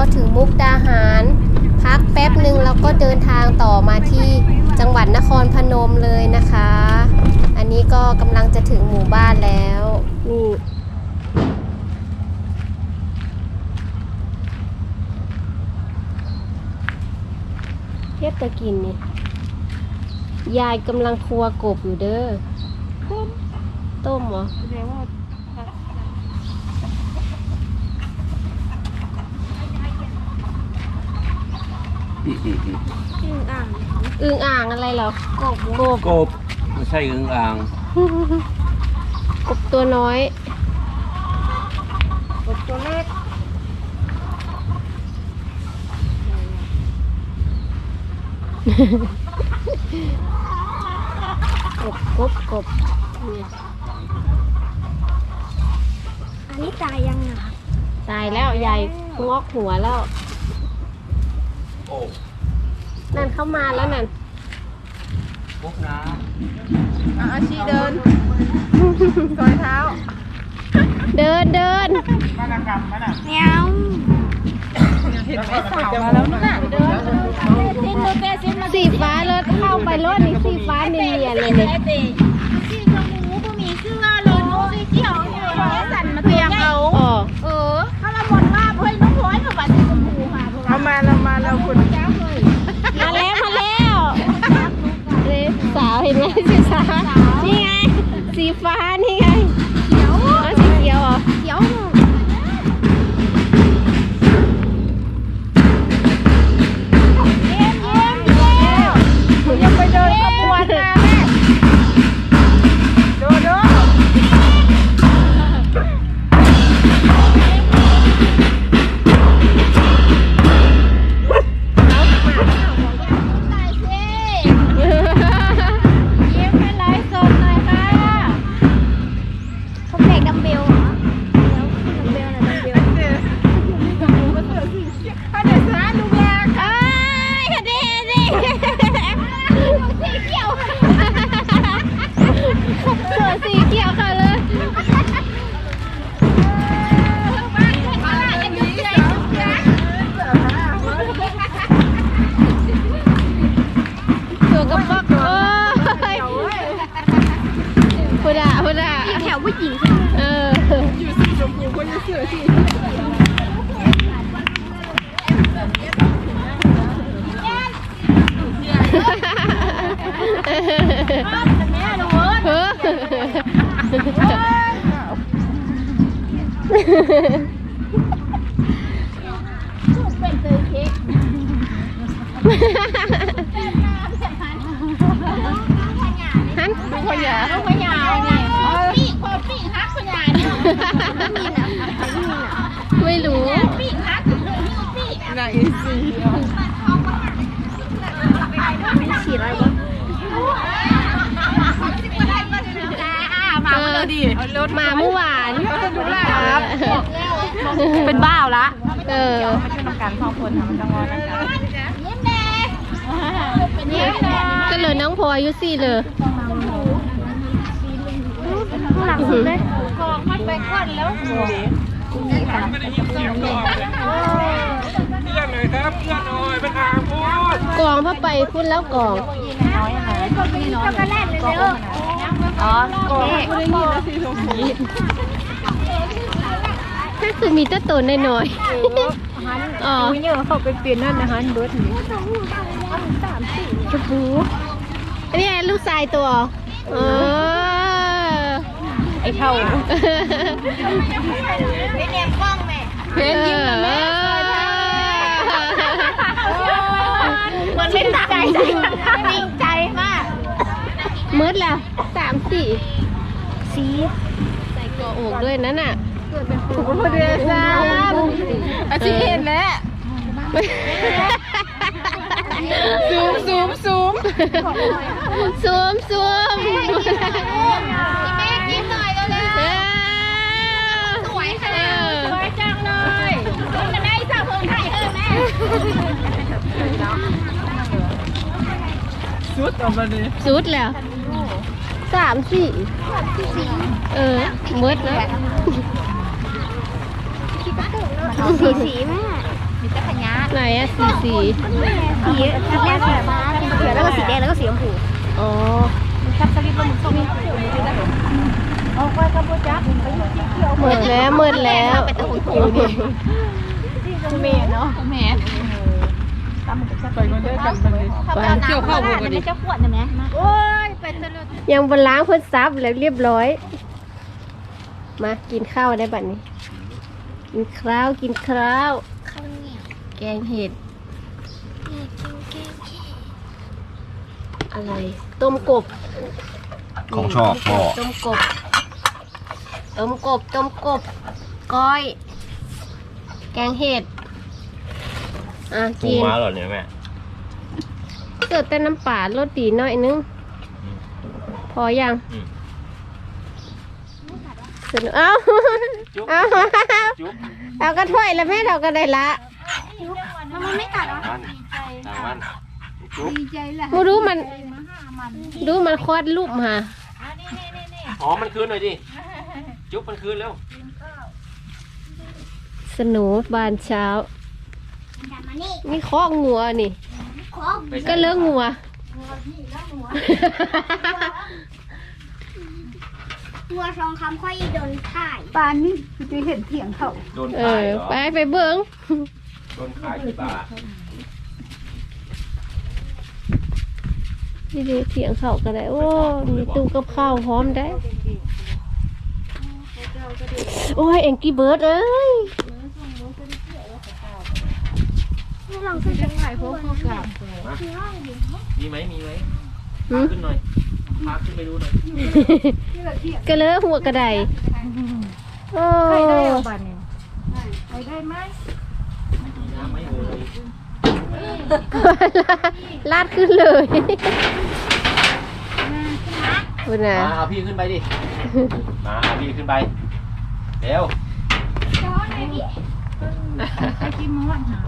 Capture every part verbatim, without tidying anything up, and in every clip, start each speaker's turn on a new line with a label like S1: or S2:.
S1: ถึงมุกดาหารพักแป๊บหนึ่งแล้วก็เดินทางต่อมาที่จังหวัดนครพนมเลยนะคะอันนี้ก็กำลังจะถึงหมู่บ้านแล้วนี่เทพตะกินนี่ยายกำลังครัวกบอยู่เด้อต้มต้มเหรอแสดงว่าอึ่งอ่างอึ่งอ่างอะไรเหรอกบกบ
S2: กบไม่ใช่อึ่งอ่าง
S1: กบตัวน้อยกบตัวเล็กกบกบกบ
S3: อันนี้ตายยังอ่ะ
S1: ตายแล้วใหญ่งอกหัวแล้วนั่นเข้ามาแล้วนั่น
S2: พบนะ
S4: อาชีเดินซอยเท้า
S1: เดินเดิน
S3: มาหนักมาหนักเนี้ย
S4: เห็นไหมสาวมาแล้วน่ะเดิน
S1: สีฟ้ารถเข้าไปรถนี่สีฟ้าเนียนเลยเนี่ย
S3: สีชมพูก็มีชื่อว่าโลโน่สีเขียวเนี่ยสั่นมาเตียงเอาเออถ้าเราหมดว่าเฮ้ยน้องพลอยกับสีชมพูค่ะ
S4: เอามาเรามาเราคุณ
S1: มาแล้วมาแล้วสาวเห็นไหมสีสาวนี่ไงสีฟ้านี่ไง
S3: เขียว
S1: สีเขียวเหรอ
S3: เขียว
S4: ยังไปเดินขบวนมาแม่ดูดู
S3: แถวผู้หญิง
S1: เออ
S4: อยู่สีชมพูคนจะเสือสี
S3: แม่ดูเออเป็นเตยเค้ก
S1: ฮัน
S4: ดูขยะ
S3: ดูขยะเนี่ยปีกพอปีกฮักขยะเนี่ย
S1: ไม่รู้
S3: ปีกฮักปีก
S4: นางอินซี
S3: ฉีดอะไรวะมาเมื่อดี
S1: รถมาเมื่อวาน
S4: ดูแลครับ
S1: เป็นบ้าละเออ
S4: เป็นน้ำการสองคนทำจังหวะนั้น
S3: ยิ้มแดงยิ้มแดง
S1: ก็เลยน้องพลอยอายุสี่เลย
S3: หลังสุดเลยกองมันไปก่อนแล้ว
S2: ไม่ได้ยินเสียงก่อนเพื่อนหน่อยครับเพื่อนหน่อยเป็นอาพูด
S1: กองพระไปพุ่นแล้วกอง
S3: น้อยอะไรก็มีน้อยช็อกโกแลตเลยเด้อ
S4: อ๋อกองไม่ได้ยินนะสีชมพู
S1: ก็คือมีแต่ตัวน้อย
S4: ๆอ๋อเนี่ยเขาไปเปลี่ยนนั่นนะฮันเบิร์ดนี่
S1: ชมพูอันนี้ลูกชายตัวเออ
S4: ไอ้เท่า
S3: ไม่เนียมกล้องแม่
S1: เพนยิ้มนะแม่
S3: มันเป็นใจจริงใจมาก
S1: มืดแล้วสามสี่
S3: สี
S1: ใส่กออกด้วยนั่นน่ะ
S4: ถูกพอดีจ้าอาชีเห็นแล้วซูมซูมซูม
S1: ซูมซูม
S3: แม่ยิ้มหน่อยเร็วๆสวยค่ะสวยจังเลยจะได้สาวเพิ่งไทยเออแม่
S4: สุดออกมาดิ
S1: สุดแล้วสามสี่เออมืดแล้ว
S3: สีสีแม่มีแต่พญา
S1: ไหนอะสีสี
S3: สีแรกสีฟ้าเขียวแล้วก็สีแดงแล้วก็สีชมพู
S1: อ๋อ
S3: ชับสลิปแล้วมันส้มเอาไปกับโบจักไปสีเขียว
S1: หมดแล้วหมดแล้ว
S3: เป็นตัวของคิวดิเมนเนาะเมน
S2: ไปกันได้กันไปเลย
S3: เกี่ยวข้าวบุกดิเจ้าขวดนะแม่โอ้ยไปตลอด
S1: ยังบนล้างเพื่อซับแล้วเรียบร้อย มากินข้าวได้บัดนี้ กินข้าวกินข้าว
S3: ข้าวเหนียว
S1: แกงเห็ด อะไร ต้มกบ
S5: ของชอบพ่อ
S1: ต้มกบ ต้มกบ ต้มกบ ก้อย แกงเห็ด อ่ะ
S5: ปู
S1: กิน
S5: ม้าเหรอเนี่ยแม่
S1: เกิดแต่น้ำป่ารสดีหน่อยนึง พอยัง
S5: อืม
S1: สนุกเอ้า
S5: จุ๊บ
S1: เอา
S5: จุ๊บ
S1: เอาก็ถ้วยแล้วแม่เราก็ได้ละ
S3: มันไม่กัดหรอ
S5: มันต่างมันจุ๊บ
S3: ดีใจแหละ
S1: มูรู้มันดูมันคลอดลูกมา
S5: อ๋อมันคืนหน่อยดิจุ๊บมันคืนแล้ว
S1: สนุกบานเช้า นี่คอกงัวนี่
S5: ไป
S1: ก็เลิกงัว
S3: งัวทองคำค่อยโดนถ่าย
S4: ปานนี่คือจะเห็นเถียงเขา
S5: โดน
S1: เอ
S5: ขาย
S1: อ
S5: เหรอ
S1: ไปไปเบิ้ง
S5: โดนขายกี่บาท
S1: นี่ดิเถียงเขาก็ได้ โอ้ มีตู้กับข้าวพร้อมได้ โอ้ย เอ็งกี้เบิร์ดเอ้ย
S3: ลองขึ้นไปถ่ายพวกเขากับ
S5: มีไหมมีไหม
S1: หื
S5: พาม ขึ้นหน่อยพาขึ้นไปดูหน่อย
S1: ก็เลยหัวกระไดโอ้
S4: ใครได้เอาบัตรเนี่ยใครได้ไหม
S5: มีน้ำไหมเอ่ย
S1: ลาดขึ้นเลยคุณน่ะ
S5: มาเอาพี่ขึ้นไปดิมาเอาพี่ขึ้นไปเร็ว
S4: ใครกินม้วนหา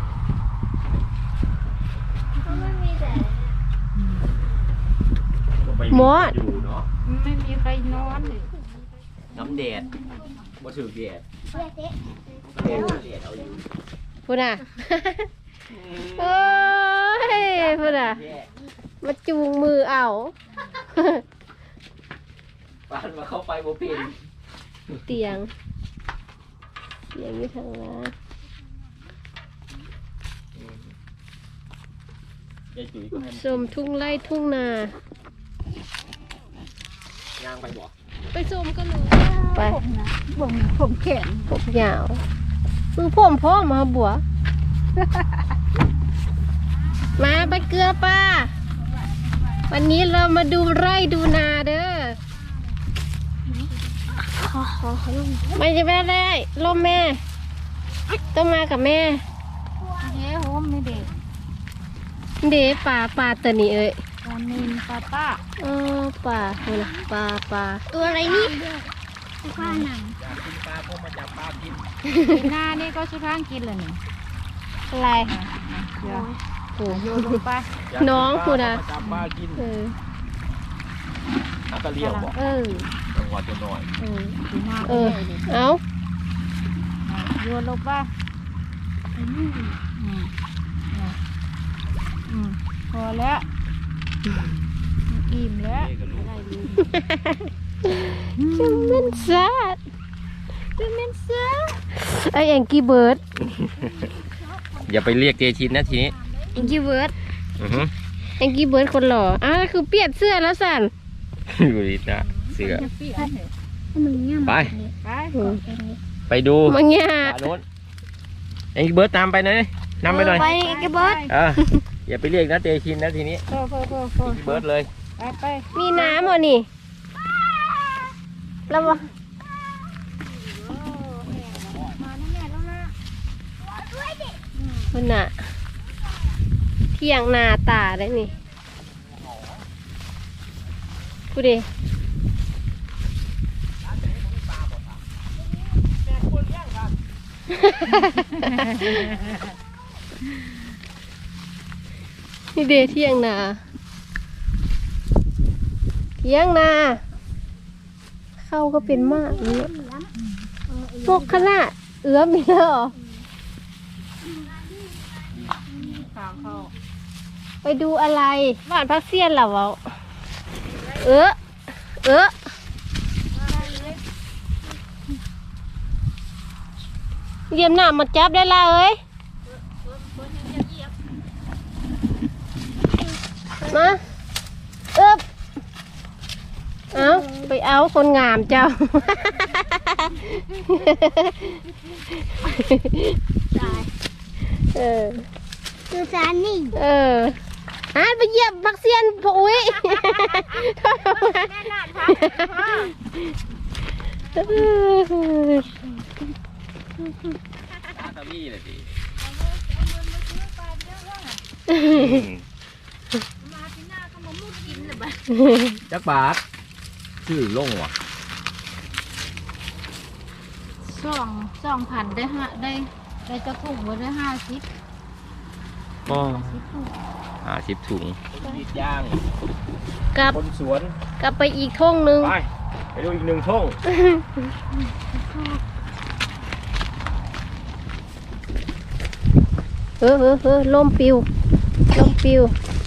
S1: มอด
S5: อยู่เนาะ
S4: ไม่มีใครนอนเลย
S5: น้ำแดดบ่ถือแดดแดดแดดเอาอยู่
S1: คุณน่ะ โอ้ยคุณน่ะ มาจูงมือเอา
S5: ปานมาเข้าไปบ่เป็น
S1: เตียง เตียงอยู่ทางล่าง
S5: ยายจุ๋ยก็ให้
S1: ชมทุ่งไร่ทุ่งนา
S5: ย่างไปบ่
S1: ไปชมกันเลย ไป
S4: ผมผมแข็ง
S1: ผมยาวมือผมพ่อมาบัว มาไปเกลือป้า วันนี้เรามาดูไร่ดูนาเด้อไม่จะไม่ได้ลมแม่ ต้องมากับแม่
S4: เย้โฮมนี่เด็ก
S1: เด้ป่าป่าตัวนี้เอ้ย
S4: ตอนนี้ป้าป้า
S1: อ๋อป่าคุณน่ะป่าป่า
S3: ตัวอะไรนี่ข้าหนัง
S5: อยากกินปลาก็มาจับปลากิน
S4: หน้านี่ก็ชุดทางกินเลยนี่
S1: อะไร
S4: เดี๋ยว
S1: โอ้
S4: โยนลงไป
S5: อยากกิ
S1: น้องคุณน่ะ
S5: มาจับปลากิน
S1: เออ
S5: น้ำตะเลียวบ่
S1: เออ
S5: จังหวัดจะหน่อย
S1: เออ
S4: ดูหน้า
S1: เออ เอา
S4: โยนลงไปอืมอืมพอแล้วอิ่มแล้ว
S5: นี่ก็รู้
S1: จะเม่นซาดจะเม่นซาดไอแองกี้เบิร์ด
S5: อย่าไปเรียกเจชินนะทีนี้
S1: แองกี้เบิร์ด
S5: อือฮึ
S1: แองกี้เบิร์ดคนหล่ออ้าวคือเปลี่ยนเสื้อแล้วสัน
S5: อยู่ดีนะเสือ
S3: มึงเนี่ย
S5: ไป
S4: ไป
S5: ไปดู
S1: มังเงี้ย
S5: ป่าโน้นไอ้เบิร์ดตามไปหน่อยนำไปหน่อย
S3: ไปกระเบิด
S5: เอออย่าไปเรียกนะเจชินนะทีนี้
S4: พอพอพอพอ
S5: เบิร์ดเลย
S4: ไปไป
S1: มีน้ำเหรอนี่แล้ววะ
S4: มาแน่แล้วนะ
S1: มันน่ะเที่ยงนาตาได้นี่พูดดิ นี่เดเที่ยงนาเที่ยงนาเข้าก็เป็นมากเนี่ยพวกขนาดเอื้อมมีแล้วเหรอไปดูอะไรบ้านพักเซียนเหรอวะเออเออเยี่ยมหน้ามาจับได้ละเอ้ยมาเอ๊บเอาไปเอาคนงามเจ้าเออ
S3: ดูจานนี่
S1: เอออ่ะไปเยี่ยมพักเซียนพ่ออุ้ย
S3: แม่นาดครับ
S5: ตาตะมี่เลยดิ
S3: มาที่หน้าก็มามุดกินเลยบ้า
S5: จักบาทชื่อลงว่ะ
S3: สองสองพันได้ห้าได้ได้จะถุงไว้ได้ห้าสิบ
S5: ก็
S3: สิบถุง
S5: ห้าสิบถุงยีดย่าง
S1: กลับ
S5: คนสวน
S1: กลับไปอีกท่งหนึง
S5: ไปไปดูอีกหนึ่งท่ง
S1: เออเออเออลมปิวลมปิว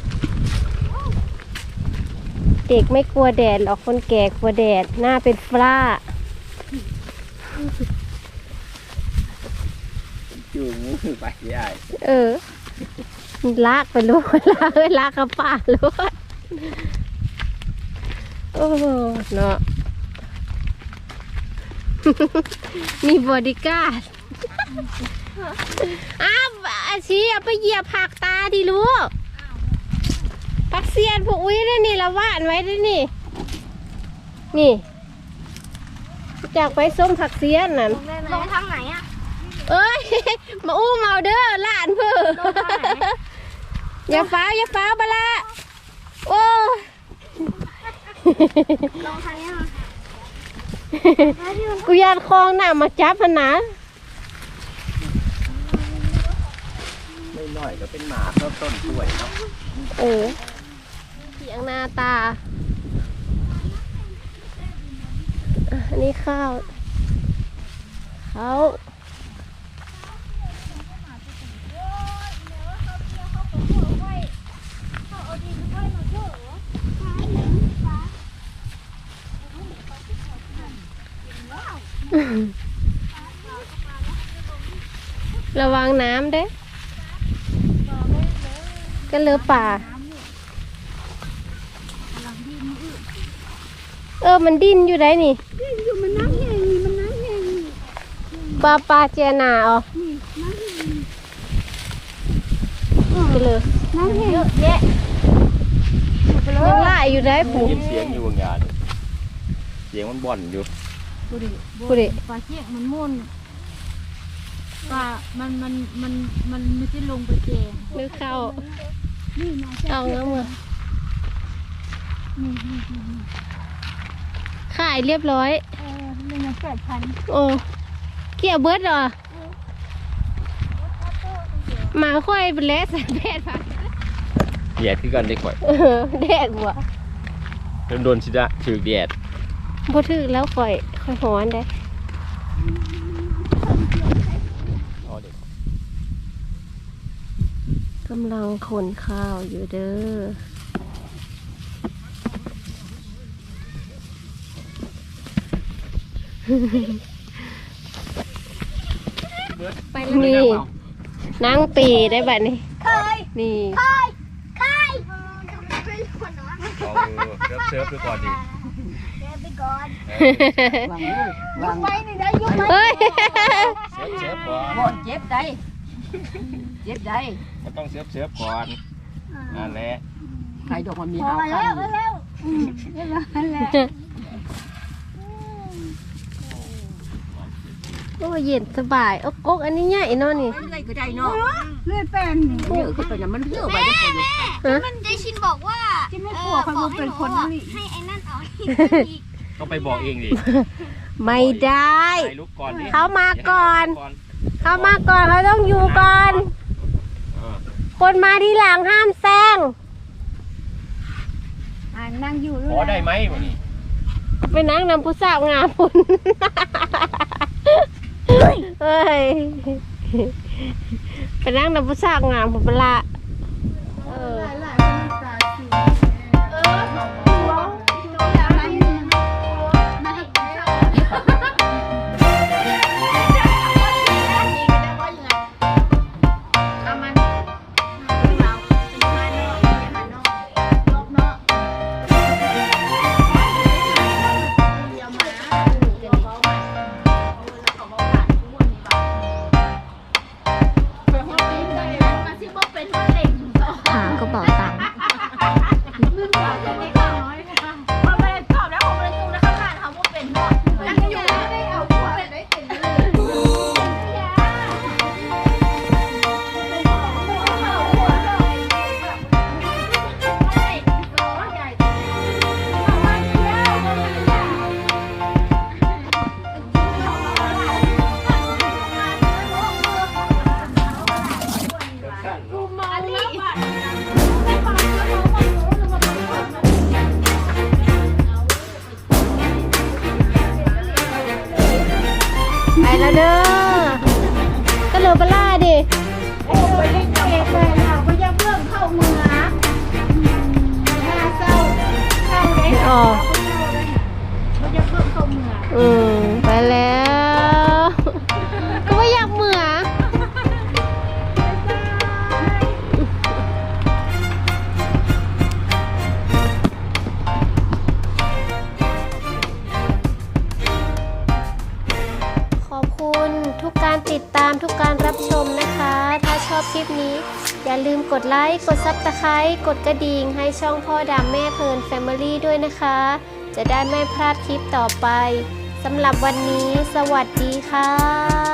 S1: เด็กไม่กลัวแดดหรอกคนแก่กลัวแดดหน้าเป็นฝ้า
S5: จูงมือไปได้
S1: เออ ลากไปลูก ลากเอ้ยลากกับป่าลูกโอ้โหเนาะ มีบอดี้การ์ด อ้าวอาชีเอาไปเหยียบผักตาดิลูกผักเสียนพวกอุ้ยได้นี่ละว่านไว้ได้นี่ นี่จากไปส้มผักเสียนนั่น
S3: ลงทางไหนอ่ะ
S1: เอ้ย มาอู้เมาเด้อหลานเพื่ออย่าฟ้าวอย่าฟ้าวบะละโอ้
S3: ลงทางนี้
S1: กูยานคลองน่ะมาจับพนะ
S5: ไม่น้อยก็เป็นหมาเพิ่มต้นกล้วยเนาะ
S1: เออเสียงหน้าตาอ่ะอันนี้ข้าวเขาระวังน้ำเด้ก็เลือป่า เออ มันดิ้นอยู่ได้นี่
S3: อยู่มันน้ำใหญ่มันน้ำใหญ่
S1: ปลาปลาเจนาอ๋อไปเลย
S3: น้ำใหญ่
S1: เยอะแยะยังไล่อยู่ได้ปู่
S5: ยินเสียงอยู่บางงานเสียงมันบ่อนอยู่
S3: บุรี
S1: ปู่ดิ
S3: ปลาเชี่ยงมันมุ่นปลามันมันมันมันไม่ใช่ลงไปแจง
S1: นึกเข้า
S3: นี่มา
S1: เอาเงี้ยมือขายเรียบร้อย
S3: เออมันมาแปดพัน
S1: โอ้เกี่ยวเบิร์ดเหรอ มาค่อยเป็นเลสแสนแปดพัน
S5: แดดคือกันได้ก่อย
S1: เออแดดบัว
S5: โดนๆสิดะถือแดด
S1: บ่ถึกแล้วค่อยค่อยหอนได้
S5: เอาเด็ก
S1: กำลังขนข้าวอยู่เด้อ
S5: ไป
S1: นี่นั่งปีได้บัดนี้
S3: เคย
S1: นี่
S3: เคยเคยเป็นคนน้อย
S5: เอาเซิร์ฟเซิร์ฟดูก่อนดิ
S3: เดินไปก่อน
S4: วางเลย
S3: ยุบไว้นี่ได้ยุบไว้
S1: เฮ้ย
S5: เซิร์ฟเซิร์ฟก่อน
S4: โอนเจ็บได้เจ็บได้
S5: มันต้องเซิร์ฟเซิร์ฟก่อนนั่นแหละ
S4: ใครดอกมันมี
S3: พอ
S4: หาว
S3: แล้
S4: คั
S3: วน แล้วอืมเรียบร้อยแล้ว
S1: โอ้เย็นสบายโอ๊กโอ๊กอันนี้ใหญ่เนาะนี่
S4: อะไรก็ได้เนาะ
S3: เลื่อยเป็น
S4: เยอะขึ้นไปนะมันเยอะไปทุกคนอยู่
S1: ฮะ
S3: มันเจชินบอกว่า
S4: ที่ไม่กลัวเขาดูเป็นคนนี่
S3: ให้ไอ้นั่นเอาอีก
S5: ต้องไปบอกเองดิ
S1: ไม่ได้
S5: ถ่ายรูปก่อนดิ
S1: เขามาก่อน เขามาก่อนเขาต้องอยู่ก่อน
S5: เออ
S1: คนมาที่หลังห้ามแซง
S3: อ่านั่งอยู่
S5: ขอได้ไหมวันนี้
S1: ไปนั่งนำผู้สาวงามพุ่นเฮ้ย ไปนั่งนำผู้สาวงามพุ่นเปะละเออ
S3: มันจะเพิ่มเข้าเมือง
S1: อืมไปแล้ว ก็ไม่อยากเหมือขอบคุณทุกการติดตามทุกการรับชมนะคะ ถ้าชอบคลิปนี้ อย่าลืมกดไลค์ กดซับสไครต์กดกระดิ่งให้ช่องพ่อดำแม่เพลินแฟมิลี่ด้วยนะคะ จะได้ไม่พลาดคลิปต่อไป สำหรับวันนี้สวัสดีค่ะ